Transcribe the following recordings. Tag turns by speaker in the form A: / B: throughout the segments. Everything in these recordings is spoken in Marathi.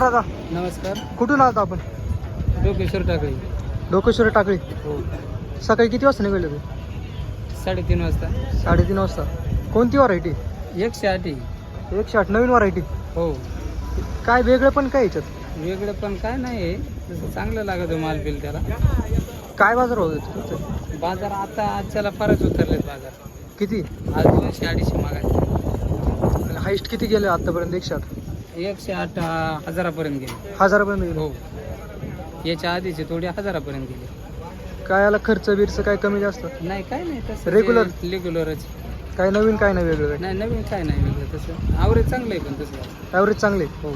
A: नमस्कार दादा.
B: नमस्कार.
A: कुठून आलात आपण?
B: डोकेश्वर टाकळी.
A: डोकेश्वर टाकळी.
B: हो.
A: सकाळी किती वाजता निघाले तुम्ही?
B: 3:30 वाजता.
A: 3:30 वाजता. कोणती व्हरायटी?
B: 108.
A: 108 नवीन व्हरायटी.
B: हो.
A: काय वेगळं पण काय याच्यात?
B: वेगळं पण काय नाही, तसं चांगलं लागतं माल बिल त्याला.
A: काय बाजार होते?
B: बाजार आता आजच्याला फारच उतरलेत बाजार.
A: किती?
B: आज 200-250 मागायचे.
A: हाईस्ट किती गेले आतापर्यंत? 108.
B: 108 हजारापर्यंत गेले.
A: 1000पर्यंत गेले.
B: हो. याच्या आधीचे थोडे हजारापर्यंत गेले.
A: काय याला खर्च बिर्च काय कमी जास्त?
B: नाही, काय नाही तसं. रेग्युलरच.
A: काय नवीन काय नाही वेगळं? काय
B: नाही, नवीन काय नाही वेगळं तसं. ॲव्हरेज चांगलं आहे पण तसं.
A: ॲव्हरेज चांगले.
B: हो.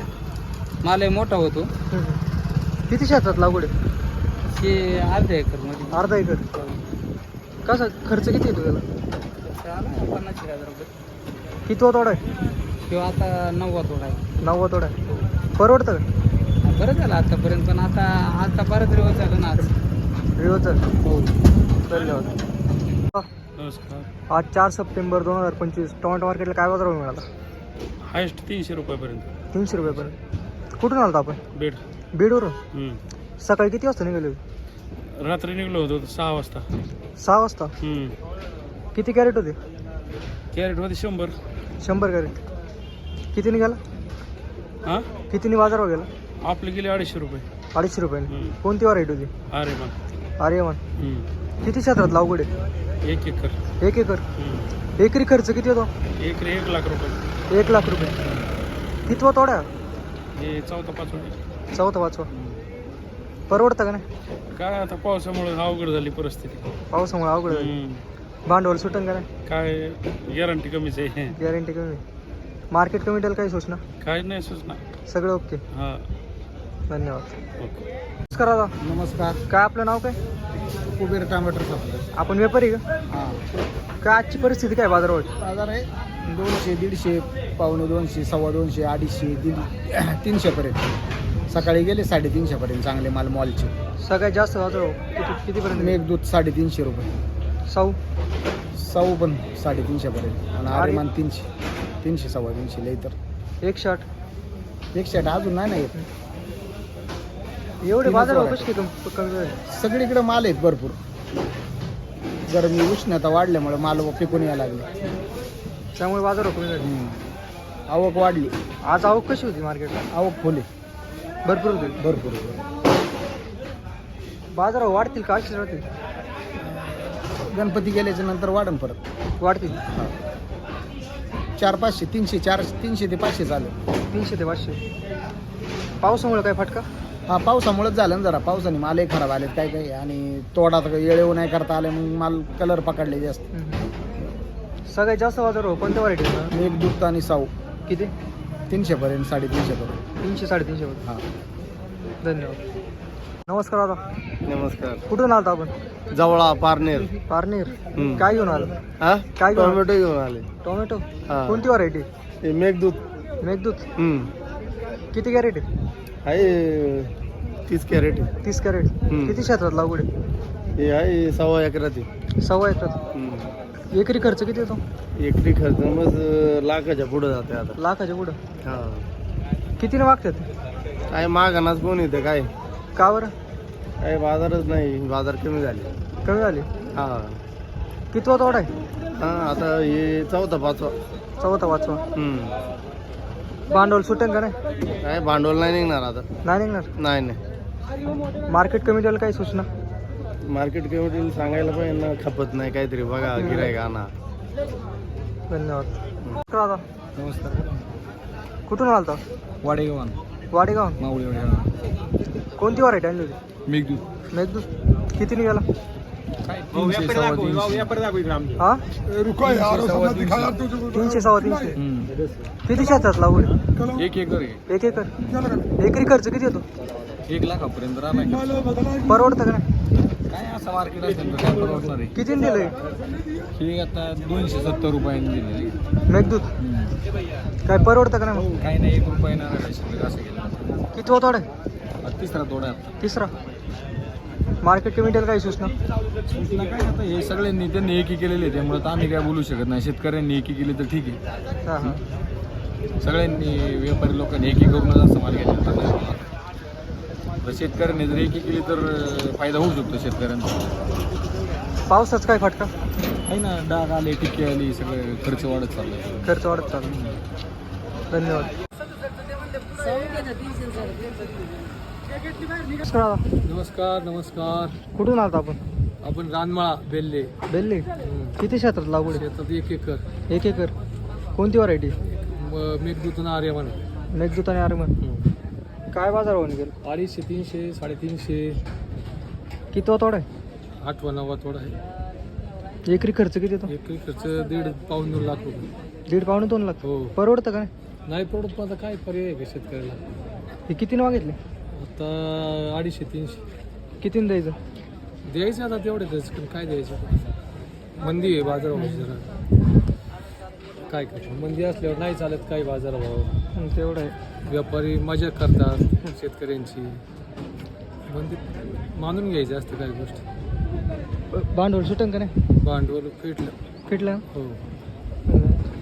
B: मालही मोठा होतो.
A: किती क्षेत्रात लागवड आहे?
B: हे अर्ध्या एकरमध्ये.
A: अर्धा एकर. कसा खर्च किती येतो त्याला?
B: आला 50,000 रुपये.
A: किती तोडा आहे?
B: किंवा आता 9वा तोडा आहे.
A: 9वा तोडा आहे. परवडतं का?
B: बरं झालं आतापर्यंत, पण आता बरंच दिवस झालं ना आज.
A: रिओचं.
B: हो.
A: धन्यवाद.
C: नमस्कार.
A: आज 4 सप्टेंबर 2025 टोमॅटो मार्केटला काय बाजार भाव मिळाला?
C: हायस्ट 300 रुपयापर्यंत.
A: 300 रुपयापर्यंत. कुठून आलता आपण?
C: बेड.
A: बीडवरून. सकाळी किती वाजता निघाले?
C: रात्री निघलो होतो 6 वाजता.
A: 6 वाजता. किती कॅरेट होते?
C: कॅरेटमध्ये 100.
A: 100 कॅरेट. किती निघाला?
C: हां,
A: कितीने बाजार भाव गेला?
C: आपले गेले 250 रुपये.
A: 250 रुपयाने. कोणती व्हरायटी होती?
C: अरे मग
A: आर्यमान. किती क्षेत्रात लागवड आहे?
C: 1 एकर.
A: 1 एकर. एकरी खर्च किती होतो?
C: एकरी 1 लाख रुपये.
A: 1 लाख रुपये. कितवा तोड्या?
C: हे 4-5.
A: 4-5. परवडतं का नाही?
C: काय आता पावसामुळे अवघड झाली परिस्थिती.
A: पावसामुळे अवघड आहे. भांडवल सुटन का नाही?
C: काय गॅरंटी कमीच आहे.
A: गॅरंटी कमी. मार्केट कमिटीला काही सूचना?
C: काय नाही सूचना.
A: सगळं ओके.
C: हां,
A: धन्यवाद.
C: ओके.
A: नमस्कार दादा.
B: नमस्कार.
A: काय आपलं नाव काय?
B: कुबेर टमाटर सापडलं.
A: आपण व्यापारी का?
B: हां.
A: काय आजची परिस्थिती काय बाजारावर?
B: बाजार आहे 200, 150, 250, 250, 250, 300 पर्यंत. सकाळी गेले 350 पर्यंत चांगले माल मॉलचे.
A: सगळ्यात जास्त बाजार कितीपर्यंत?
B: मेघदूत 350 रुपये.
A: साऊ
B: पण 350 पर्यंत. आणि आर्यमान 300, 300-350 लई तर
A: 108.
B: 108 अजून नाही ना येत.
A: एवढे
B: तीनच
A: बाजार
B: वर
A: कशी कमी झाले?
B: सगळीकडे माल आहेत भरपूर. गरमी उष्णता वाढल्यामुळे माल पिकून यायला लागले.
A: त्यामुळे बाजार कमी झाले.
B: आवक वाढली.
A: आज आवक कशी होती मार्केटला?
B: आवक फुले
A: भरपूर होती.
B: भरपूर.
A: बाजार वाढतील का अशीच राहतील?
B: गणपती गेल्याच्या नंतर वाढन परत.
A: वाढतील.
B: 400-500, 300 ते 500 झालं.
A: 300 ते 500. पावसामुळे काय फटका?
B: हा, पावसामुळेच झालं ना जरा. पावसाने मालही खराब आले काय काय. आणि तोडा तर येळेव नाही करता आले, मग माल कलर पकडले जास्त.
A: सगळ्यात जास्त बाजार हो कोणत्या व्हरायटी?
B: मेघदूत आणि साऊ.
A: किती?
B: 300 पर्यंत, 350 पर्यंत.
A: 300-350 पर्यंत.
B: हां.
A: धन्यवाद. नमस्कार दादा.
D: नमस्कार.
A: कुठून आलता आपण?
D: जवळा पारनेर.
A: पारनेर. काय घेऊन आलं?
D: हा,
A: काय घेऊन आलं?
D: टोमॅटो घेऊन आले.
A: टोमॅटो.
D: हा.
A: कोणती व्हरायटी?
D: हे मेघदूत.
A: मेघदूत. किती कॅरेट आहे?
D: आहे 30 कॅरेट.
A: 30 कॅरेट. किती क्षेत्रात लागवड आहे?
D: हे आहे 1.25 एकरात.
A: 1.25 एकरात. एकरी खर्च किती येतो?
D: एकरी खर्च मग लाखाच्या पुढे जाते आता.
A: लाखाच्या पुढं.
D: हा,
A: कितीने मागतात?
D: काय मागानाच कोण येतं काय?
A: का बरं?
D: काय बाजारच नाही. बाजार कमी झाले.
A: कमी झाली.
D: हा.
A: कितवा तोडा आहे?
D: हा, आता हे 4-5.
A: 4-5. भांडवल सुटेल का नाही?
D: काय भांडवल नाही निघणार आता.
A: नाही निघणार.
D: नाही.
A: मार्केट कमिटीला काही सूचना?
D: मार्केट कमिटीला सांगायला पाहिजे ना, खपत नाही काहीतरी बघा, गिराईक आणा.
A: धन्यवाद. दादा
B: नमस्कार.
A: कुठून आलता?
B: वाडेगाव.
A: वाडेगाव.
B: माऊळी.
A: कोणती व्हरायटी आणली होती?
B: मेघदूत.
A: मेघदूत. किती निघाला?
B: काय 300-350.
A: हा, 300-350. किती क्षेत्रात लागवड?
B: 1 एकर.
A: 1 एकर. एकरी खर्च किती येतो?
B: 1 लाखापर्यंत राहणार.
A: परवडतं का नाही?
B: काय असं मार्केट असेल तर काय परवडणार आहे.
A: कितीने दिलंय?
B: हे आता 270 रुपयांनी दिले.
A: मेघदूत. काय परवडतं का नाही?
B: काही नाही, 1 रुपया येणार आहे असं केलं.
A: कितवा तोडा आहे?
B: 3रा तोडा आहे.
A: 3रा. मार्केट कमिटीला काही सूचना?
B: सूचना काय आता हे सगळ्यांनी त्यांनी एकी केलेली आहे, त्यामुळे तर आम्ही काय बोलू शकत नाही. शेतकऱ्यांनी एकी केली तर ठीक आहे.
A: हां हां.
B: सगळ्यांनी व्यापारी लोकांनी एकी करूनच असं माल घ्यायचं.
E: शेतकऱ्यांनी जर एकी केली तर फायदा होऊ शकतो शेतकऱ्यांचा.
A: पावसाचा काय फटका?
E: आहे ना, डाग आले, टिके आली, सगळं खर्च वाढत चाललाय.
A: खर्च वाढत चालला. धन्यवाद. नमस्कार दादा.
F: नमस्कार नमस्कार.
A: कुठून आलता आपण?
F: आपण रानमाळा बेल्ले
A: बेल्ले. किती क्षेत्रात लागवड आहे?
F: शेतात 1 एकर
A: 1 एकर. कोणती व्हरायटी?
F: मेघदूत आणि आर्यमान.
A: मेघदूत आणि आर्यमान. काय बाजार भाव निघेल?
F: 250, 300, 350.
A: किती तोडा आहे?
F: 8वा 9वा थोडा आहे.
A: एकरी खर्च किती येतो?
F: एकरी खर्च 1.5 पाऊण 2 लाख रुपये.
A: 1.5 पावणे 2 लाख.
F: हो.
A: परवडतं का नाही?
F: नाही पडत, पण आता काय पर्याय आहे का शेतकऱ्याला?
A: हे कितीनं मागितले?
F: आता 250, 300
A: कितीनं द्यायचं?
F: द्यायचं आता तेवढेच, पण काय द्यायचं? मंदी आहे बाजारामध्ये जरा. काय करतो, मंदी असल्यावर नाही चालत काय बाजारभाव.
A: तेवढं आहे.
F: व्यापारी मजा करतात शेतकऱ्यांची. मंदी मानून घ्यायचं असतं काही गोष्टी.
A: भांडवल सुटन का नाही?
F: भांडवल फिटलं.
A: फिटलं.
F: हो.